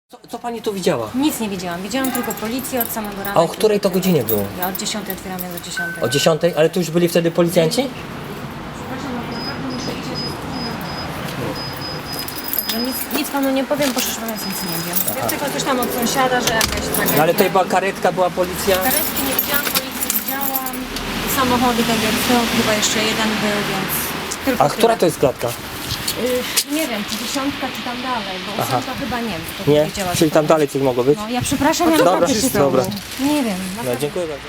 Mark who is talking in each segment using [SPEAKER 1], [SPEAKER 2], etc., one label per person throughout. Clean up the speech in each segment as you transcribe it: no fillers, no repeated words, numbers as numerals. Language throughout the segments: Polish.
[SPEAKER 1] Co pani tu widziała?
[SPEAKER 2] Nic nie widziałam. Widziałam tylko policję od samego rana.
[SPEAKER 1] A o której to godzinie było?
[SPEAKER 2] Ja od 10 otwieram, ja do 10.
[SPEAKER 1] O 10? Ale tu już byli wtedy policjanci?
[SPEAKER 2] Przepraszam, no naprawdę muszę iść, ja się Także nic panu nie powiem, bo szczerze mówiąc nic nie wiem. Ja tylko coś tam od sąsiada, że jakaś tragedia.
[SPEAKER 1] No ale tutaj była karetka, była policja.
[SPEAKER 2] Karetki nie widziałam, policję widziałam. Samochody tak jak są, chyba jeszcze jeden był, więc tylko
[SPEAKER 1] A która
[SPEAKER 2] tyle.
[SPEAKER 1] to jest klatka?
[SPEAKER 2] Nie wiem, czy 10, czy tam dalej, bo 8 chyba nie wiem, to
[SPEAKER 1] Nie?
[SPEAKER 2] wiedziała,
[SPEAKER 1] Czyli
[SPEAKER 2] że
[SPEAKER 1] tam dalej coś mogło być?
[SPEAKER 2] No ja przepraszam, ja
[SPEAKER 1] Dobra,
[SPEAKER 2] naprawdę się
[SPEAKER 1] dobra.
[SPEAKER 2] Nie wiem.
[SPEAKER 1] No dziękuję bardzo.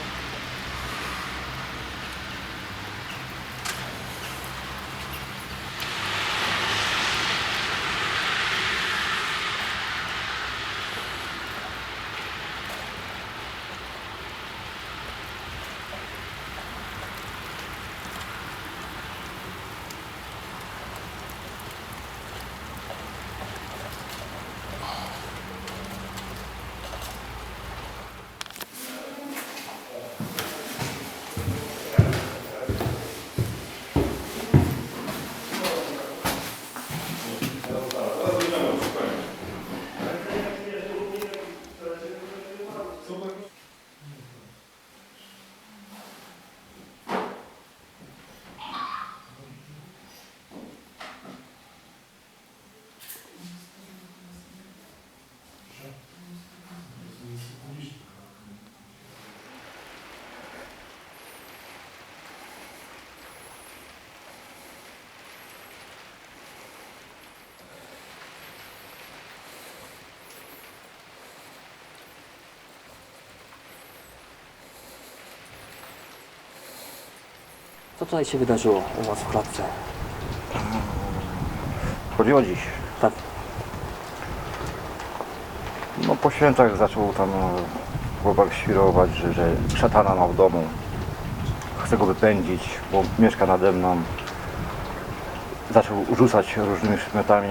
[SPEAKER 1] Co tutaj się wydarzyło u was w klatce?
[SPEAKER 3] Chodziło dziś.
[SPEAKER 1] Tak.
[SPEAKER 3] No po świętach zaczął tam chłopak świrować, że szatana ma w domu. Chce go wypędzić, bo mieszka nade mną. Zaczął rzucać różnymi przedmiotami.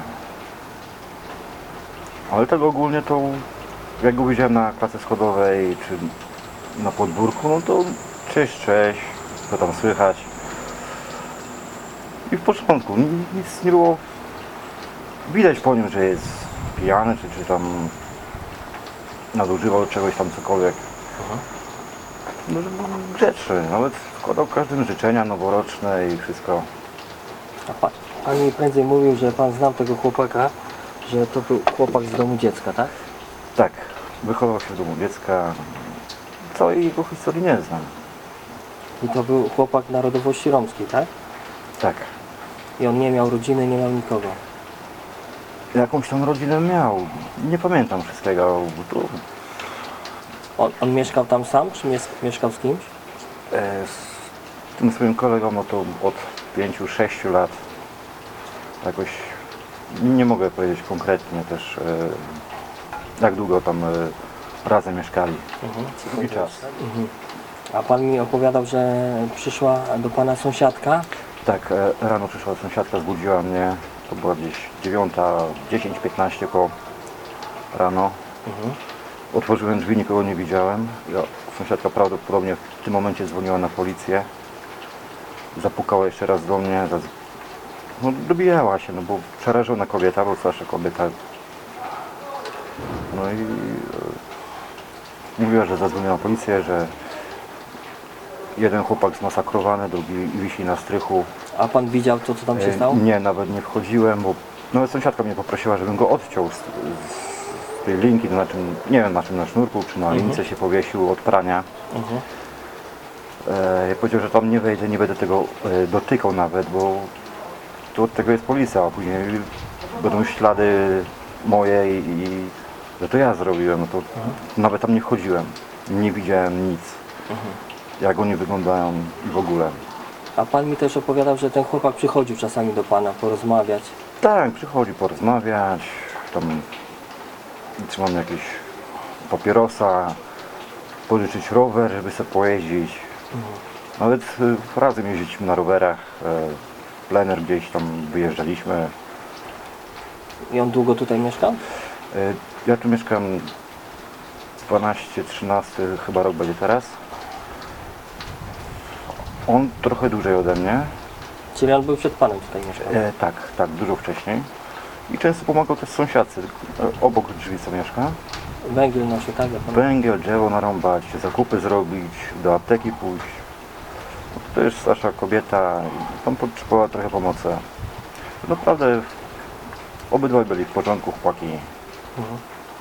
[SPEAKER 3] Ale tego ogólnie to, jak go widziałem na klatce schodowej czy na podwórku, no to cześć, co tam słychać. I w początku nic nie było widać po nim, że jest pijany, czy tam nadużywał czegoś tam cokolwiek. No, że był grzeczny, nawet składał każdym życzenia noworoczne i wszystko.
[SPEAKER 1] A pan mi prędzej mówił, że pan znał tego chłopaka, że to był chłopak z domu dziecka, tak?
[SPEAKER 3] Tak, wychował się w domu dziecka. Całej jego historii nie znam.
[SPEAKER 1] I to był chłopak narodowości romskiej, tak?
[SPEAKER 3] Tak.
[SPEAKER 1] I on nie miał rodziny, nie miał nikogo.
[SPEAKER 3] Jakąś tam rodzinę miał. Nie pamiętam wszystkiego. Bo to,
[SPEAKER 1] On mieszkał tam sam, czy mieszkał z kimś?
[SPEAKER 3] z tym swoim kolegą no to od 5-6 lat. Jakoś nie mogę powiedzieć konkretnie też jak długo tam razem mieszkali. Długi czas.
[SPEAKER 1] A pan mi opowiadał, że przyszła do pana sąsiadka.
[SPEAKER 3] Tak, rano przyszła sąsiadka, zbudziła mnie. To była gdzieś 9, 10, 15 koło rano. Otworzyłem drzwi, nikogo nie widziałem. Sąsiadka prawdopodobnie w tym momencie dzwoniła na policję. Zapukała jeszcze raz do mnie. No, dobijała się, no bo przerażona kobieta, bo starsza kobieta. No i mówiła, że zadzwoniła na policję, że jeden chłopak zmasakrowany, drugi wisi na strychu.
[SPEAKER 1] A pan widział to, co tam się stało?
[SPEAKER 3] Nie, nawet nie wchodziłem, bo nawet sąsiadka mnie poprosiła, żebym go odciął z tej linki, to na czym, nie wiem na czym, na sznurku, czy na lince się powiesił od prania. Ja powiedział, że tam nie wejdę, nie będę tego dotykał nawet, bo tu od tego jest policja, a później będą ślady moje i że to ja zrobiłem, no to nawet tam nie wchodziłem, nie widziałem nic, jak oni wyglądają i w ogóle.
[SPEAKER 1] A pan mi też opowiadał, że ten chłopak przychodził czasami do pana porozmawiać.
[SPEAKER 3] Tak, przychodzi porozmawiać, tam trzymam jakieś papierosa, pożyczyć rower, żeby sobie pojeździć. Nawet razem jeździliśmy na rowerach, plener gdzieś tam wyjeżdżaliśmy.
[SPEAKER 1] I on długo tutaj mieszkał?
[SPEAKER 3] Ja tu mieszkam 12-13 chyba rok będzie teraz. On trochę dłużej ode mnie.
[SPEAKER 1] Czyli on był przed panem tutaj mieszkał?
[SPEAKER 3] Tak, dużo wcześniej. I często pomagał też sąsiadce, obok drzwi co mieszka.
[SPEAKER 1] Węgiel nosi, tak? Jak pan...
[SPEAKER 3] Węgiel, drzewo narąbać, zakupy zrobić, do apteki pójść. To jest starsza kobieta i tam potrzebowała trochę pomocy. Naprawdę obydwaj byli w porządku, chłopaki.
[SPEAKER 1] Mhm.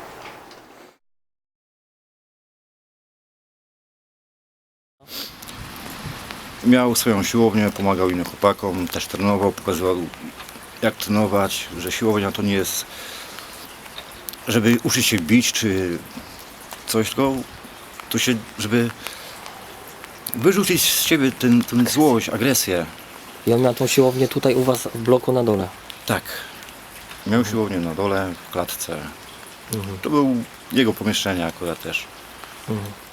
[SPEAKER 3] Miał swoją siłownię, pomagał innym chłopakom, też trenował, pokazywał jak trenować, że siłownia to nie jest, żeby uczyć się bić czy coś, tylko to się, żeby wyrzucić z siebie tę złość, agresję.
[SPEAKER 1] I on miał tą siłownię tutaj u was w bloku na dole.
[SPEAKER 3] Tak. Miał siłownię na dole, w klatce.
[SPEAKER 1] Mhm.
[SPEAKER 3] To był jego pomieszczenie akurat też.
[SPEAKER 1] Mhm.